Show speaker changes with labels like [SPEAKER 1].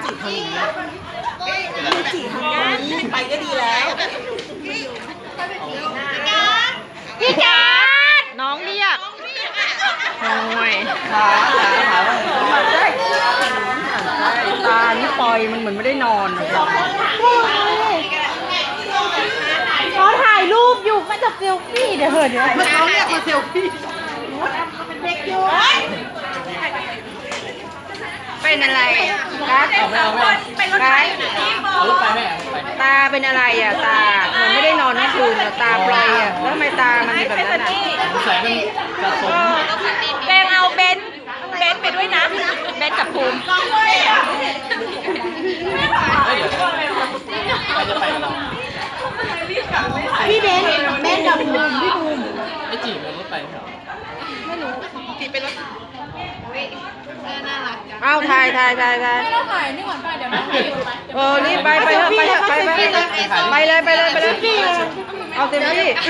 [SPEAKER 1] จิทำอย่างนี้ยูจิทำอย่างนี้ไปก็ดีแล้ว
[SPEAKER 2] พี่การ์ดน้องเรียกโอ้ย
[SPEAKER 1] ขาตานี่ปล่อยมันเหมือนไม่ได้นอน
[SPEAKER 2] ขอถ่ายรูปอยู่มาจะเซลฟี่เดี๋ยวเดี๋ยว
[SPEAKER 1] มันเขาเรียกมาเซลฟี่
[SPEAKER 2] เป็นอะไรการ์ดการ์ดตาเป็นอะไรอ่ะตาเหมือนไม่ได้นอนทั้งคืนอ่ะตาปลอยอ่ะแล้วทำไมตามันแบบนั้นอ่ะ
[SPEAKER 3] แสงมันสะสม
[SPEAKER 2] แบงเอาเบนไปด้วยนะเบนกับภูมิ
[SPEAKER 3] ใครจะไปกับเรา
[SPEAKER 2] พี่เบนกับภูมิพี่ภูมิ
[SPEAKER 3] ไอ้จีบมันรถไปเหรอ
[SPEAKER 2] เอาถ่าย
[SPEAKER 4] เราถ่ายนี่ก่อนป่ะเดี๋ยวน้องรีบ
[SPEAKER 2] รีบไปเลยเอาเต็มที่